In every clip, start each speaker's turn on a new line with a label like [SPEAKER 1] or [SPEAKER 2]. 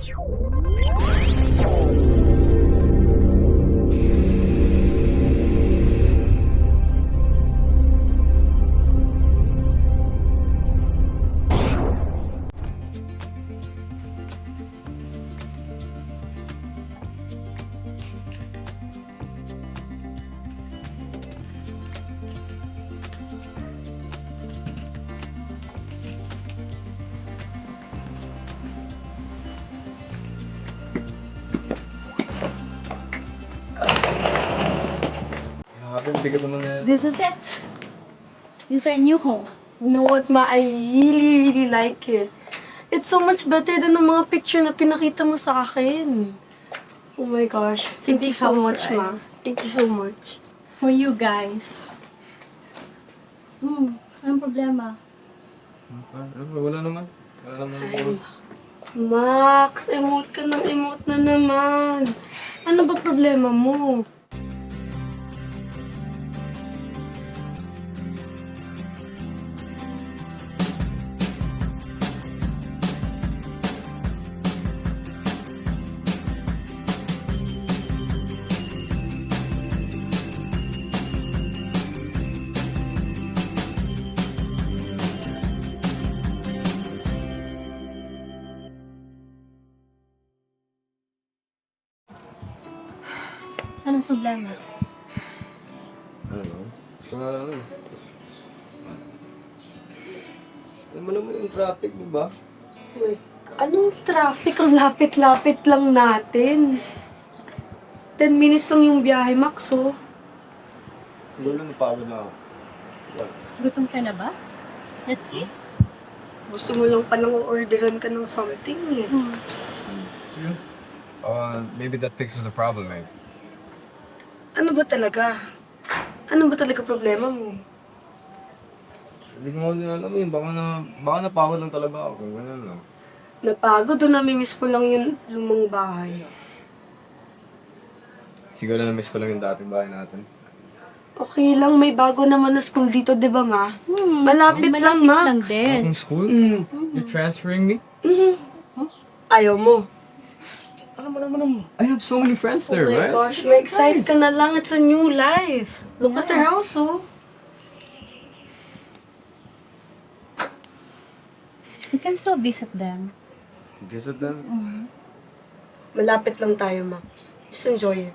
[SPEAKER 1] This is it. This is our new home.
[SPEAKER 2] You know what, Ma? I really like it. It's so much better than the mga picture na pinakita mo sa akin. Oh my gosh. Thank you so much, Ma. Thank you so much.
[SPEAKER 1] For you guys. Anong problema?
[SPEAKER 3] Wala naman.
[SPEAKER 2] Max, emote ka ng emote na naman. Ano ba problema mo?
[SPEAKER 1] Anong problema?
[SPEAKER 3] Alam mo naman yung traffic, di ba?
[SPEAKER 2] Wait, anong traffic? Ang lapit-lapit lang natin. 10 minutes lang yung biyahe, Max, oh.
[SPEAKER 3] Siguro napagod na ako.
[SPEAKER 1] Gutom ka na ba? Let's eat.
[SPEAKER 2] Gusto mo lang palang orderan ka ng something, eh.
[SPEAKER 3] Maybe that fixes the problem, eh.
[SPEAKER 2] Ano ba talaga? Ano ba talaga problema mo?
[SPEAKER 3] Hindi ko din alam eh. Baka napagod lang talaga ako. Ganun lang.
[SPEAKER 2] Napagod o namimiss mo lang yung lumang bahay?
[SPEAKER 3] Siguro na-miss ko lang yung dating bahay natin.
[SPEAKER 2] Okay lang, may bago naman na school dito, di ba, Ma? Malapit lang, Max.
[SPEAKER 1] din.
[SPEAKER 3] Bagong school? You're transferring me?
[SPEAKER 2] Ayaw mo.
[SPEAKER 3] Alam mo naman, I have so many friends there,
[SPEAKER 2] Oh my
[SPEAKER 3] right?
[SPEAKER 2] gosh, may excited ka na lang. It's a new life. Look at the house, oh.
[SPEAKER 1] You can still visit them.
[SPEAKER 3] Visit them?
[SPEAKER 2] Malapit lang tayo, Max. Just enjoy it.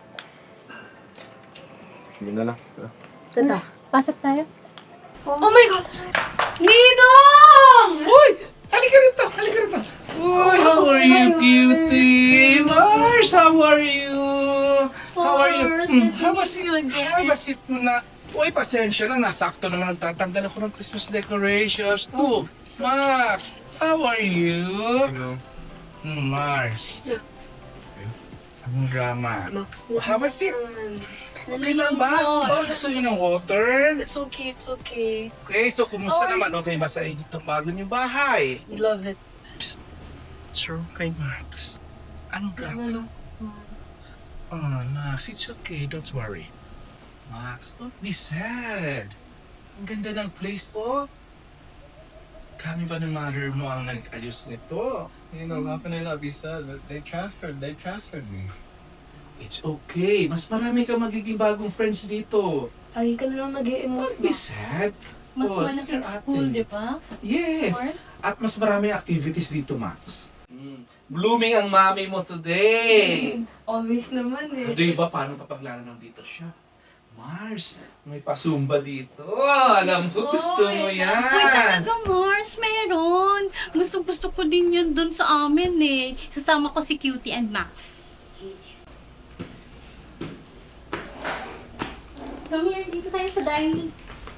[SPEAKER 3] Sige na lang.
[SPEAKER 2] Tara.
[SPEAKER 1] Pasok tayo.
[SPEAKER 2] Oh my God! Ninong!
[SPEAKER 4] Uy! Halika rito! Halika rito! Uy, how are you, cutie? Mars, how are you? How are you? Habasit mo na. Uy, pasensya na. Nasakto naman nagtatanggal ako ng Christmas decorations. Oh, Max, how are you?
[SPEAKER 3] Hello.
[SPEAKER 4] Mars. Anong drama?
[SPEAKER 2] Max,
[SPEAKER 4] Habasit. Okay lang ba? Oh, gusto niyo ng water?
[SPEAKER 2] It's okay, it's okay.
[SPEAKER 4] Okay, so kumusta naman? Okay ba sa inyo itong bago niyong bahay?
[SPEAKER 2] We love it.
[SPEAKER 4] Sir, kay Max. Anong drama? Oh, Max, it's okay. Don't worry. Max, don't be sad. Ang ganda ng place, oh. Kami ba ng mother mo ang nag-ayos nito?
[SPEAKER 3] You know, how can I not be sad? They transferred me.
[SPEAKER 4] It's okay. Mas marami ka magiging bagong friends dito.
[SPEAKER 2] Lagi ka na lang nag-i-emote,
[SPEAKER 4] Don't be
[SPEAKER 2] Max.
[SPEAKER 4] sad.
[SPEAKER 1] Mas
[SPEAKER 4] Oh,
[SPEAKER 1] malaking
[SPEAKER 4] ate.
[SPEAKER 1] school, di ba?
[SPEAKER 4] Yes.
[SPEAKER 1] Of course.
[SPEAKER 4] At mas maraming activities dito, Max. Blooming ang mami mo today.
[SPEAKER 2] Always naman, eh.
[SPEAKER 4] Di ba paano papaglaro dito siya? Mars, may pasumba dito. Alam ko, gusto mo yan.
[SPEAKER 1] Uy, talaga, Mars, meron. Gusto ko din yun dun sa amin eh. Sasama ko si Cutie and Max. Come here, dito tayo sa dining.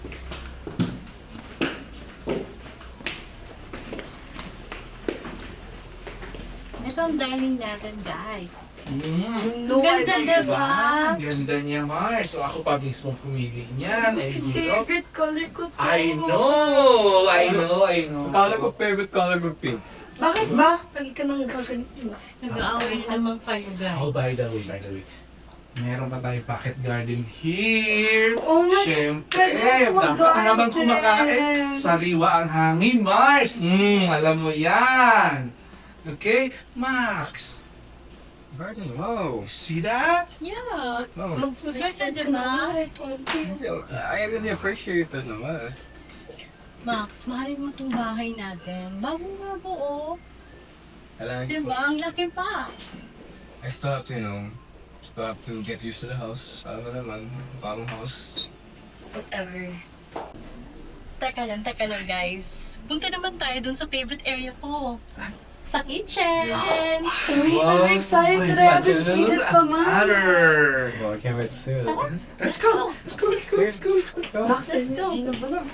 [SPEAKER 1] Ito ang dining natin, guys.
[SPEAKER 4] No,
[SPEAKER 1] Ang ganda, diba?
[SPEAKER 4] Ang ganda niya, Mars. So ako pa mismo pumili niyan. Eh, dito.
[SPEAKER 2] Favorite color ko to.
[SPEAKER 4] I know.
[SPEAKER 3] Akala ko favorite color ko pink.
[SPEAKER 2] Bakit ba? Lagi ka nang gaganito.
[SPEAKER 1] Nag-aaway naman kayo, guys.
[SPEAKER 4] Oh, by the way. Meron pa tayo pocket garden here.
[SPEAKER 2] Oh my
[SPEAKER 4] Siyempre,
[SPEAKER 2] God,
[SPEAKER 4] habang
[SPEAKER 2] garden.
[SPEAKER 4] kumakain, sariwa ang hangin, Mars. Alam mo yan. Okay? Max,
[SPEAKER 3] Garden, wow.
[SPEAKER 4] see that?
[SPEAKER 1] Yeah.
[SPEAKER 3] Wow.
[SPEAKER 2] Mag-reset ka na. Tonti.
[SPEAKER 3] I really appreciate that naman.
[SPEAKER 1] Max, mahalin mo itong bahay natin. Bago nga buo.
[SPEAKER 3] Kailangan ko.
[SPEAKER 1] Diba? Ang laki pa.
[SPEAKER 3] I still have to, still have to get used to the house. Alam mo naman, bagong house.
[SPEAKER 2] Whatever.
[SPEAKER 1] Teka lang guys. Punta naman tayo dun sa favorite area ko. Sa kitchen.
[SPEAKER 2] Wait, I'm excited. I haven't seen it pa, man.
[SPEAKER 4] Matter.
[SPEAKER 3] Well, I can't wait to see it.
[SPEAKER 4] Let's go. Let's go. Let's go. Let's go. Let's go.
[SPEAKER 2] Max,
[SPEAKER 1] Let's go.
[SPEAKER 2] Gina ba na?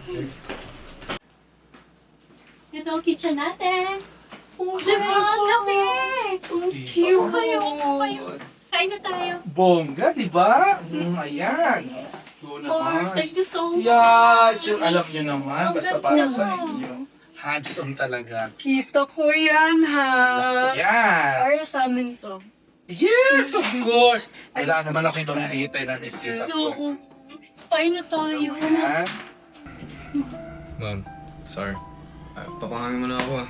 [SPEAKER 1] Ito ang kitchen natin. Oh, diba? Ang laki.
[SPEAKER 2] Cute.
[SPEAKER 1] Kayo. Kain na tayo.
[SPEAKER 4] Bongga, di ba? Ayan. Go naman.
[SPEAKER 1] Mars, thank you so much.
[SPEAKER 4] Yeah, sure, alam niyo naman.
[SPEAKER 1] Ang
[SPEAKER 4] Basta
[SPEAKER 1] ganda.
[SPEAKER 4] para sa inyo. Handsome talaga.
[SPEAKER 2] Kita ko yan, ha?
[SPEAKER 4] Yan.
[SPEAKER 2] Para sa amin to.
[SPEAKER 4] Yes, of course. Wala naman ako yung nilitay na bisita ko.
[SPEAKER 1] Oo. Kain na tayo.
[SPEAKER 4] Yan.
[SPEAKER 3] Ma'am, sorry. Papahangin mo na ako.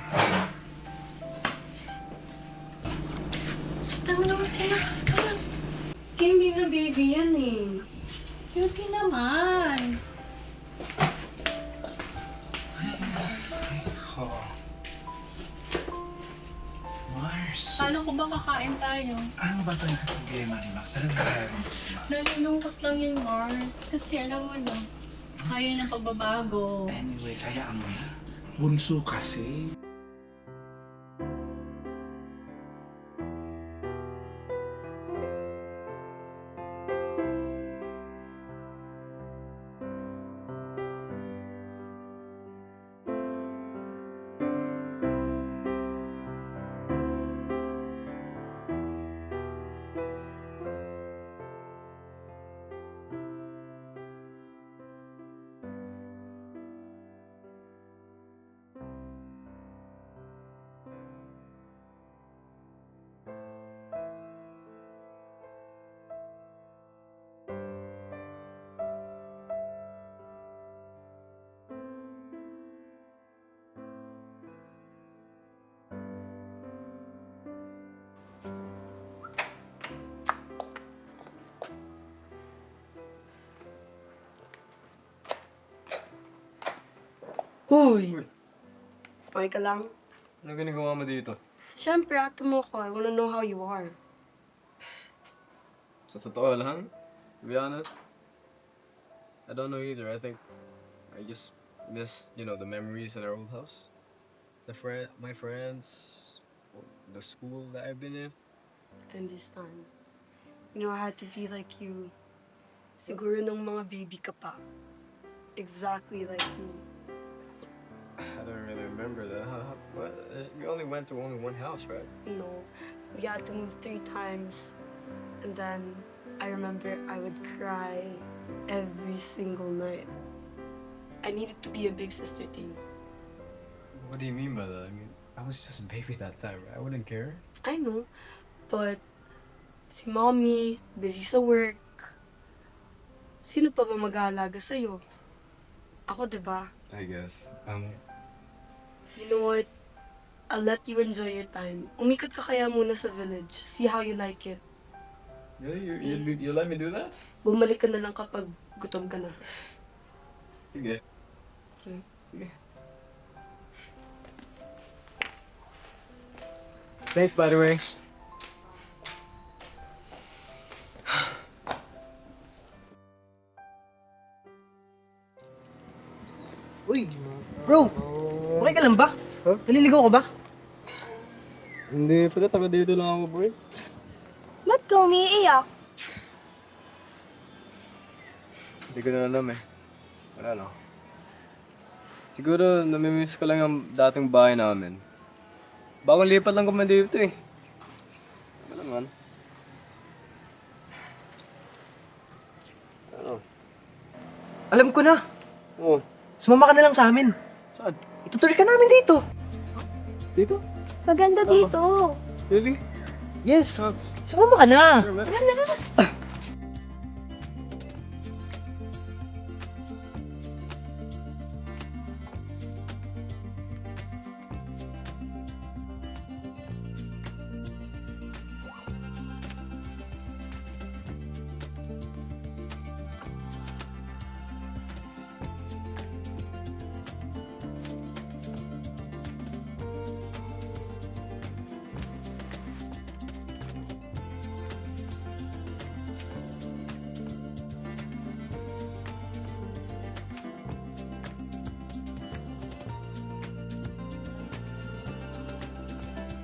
[SPEAKER 1] Sita mo naman sinakas ka.
[SPEAKER 2] Kaya hindi na baby yan, eh.
[SPEAKER 1] Cute naman.
[SPEAKER 4] Oh. Mars.
[SPEAKER 1] Kala ko ba kakain tayo?
[SPEAKER 4] Ano ba ito yung problema ni Max? Ano ba tayo?
[SPEAKER 1] Nalulungkot lang yung Mars. Kasi alam mo na, kaya ng pagbabago.
[SPEAKER 4] Anyway, kaya mo na. Bunso kasi.
[SPEAKER 2] Hoy! Okay ka lang?
[SPEAKER 3] Ano ginagawa mo dito?
[SPEAKER 2] Siyempre, ato mo ko. I wanna know how you are.
[SPEAKER 3] Sa totoo lang, to be honest, I don't know either. I think I just miss, the memories in our old house. My friends, the school that I've been in.
[SPEAKER 2] I understand. You know, I had to be like you. Siguro nung mga baby ka pa. Exactly like me.
[SPEAKER 3] I don't really remember that. But you only went to only one house, right?
[SPEAKER 2] No, we had to move 3 times. And then I remember I would cry every single night. I needed to be a big sister to you.
[SPEAKER 3] What do you mean by that? I mean, I was just a baby that time, right? I wouldn't care.
[SPEAKER 2] I know, but si mommy, busy sa work. Sino pa ba mag-aalaga sa'yo? Ako, diba?
[SPEAKER 3] I guess.
[SPEAKER 2] You know what? I'll let you enjoy your time. Umikot ka kaya muna sa village. See how you like it.
[SPEAKER 3] Really? You let me do that?
[SPEAKER 2] Bumalik ka na lang kapag gutom ka na.
[SPEAKER 3] Sige.
[SPEAKER 2] Okay.
[SPEAKER 3] Sige. Thanks, by the way.
[SPEAKER 5] Uy, bro! Okay ka lang ba? Naliligaw ka ba?
[SPEAKER 3] Hindi, pala taga dito lang ako, boy.
[SPEAKER 6] Ba't ka umiiyak?
[SPEAKER 3] Hindi ko na alam eh. Wala no. Siguro namimiss ko lang ang dating bahay namin. Bagong lipat lang kami dito eh. Ano naman? Ano?
[SPEAKER 5] Alam ko na.
[SPEAKER 3] Oh,
[SPEAKER 5] Sumama ka na lang sa amin.
[SPEAKER 3] saan?
[SPEAKER 5] Itutur ka namin dito.
[SPEAKER 3] Dito?
[SPEAKER 6] Maganda dito.
[SPEAKER 3] Really?
[SPEAKER 5] Yes. Sumama ka na.
[SPEAKER 3] Sure, man.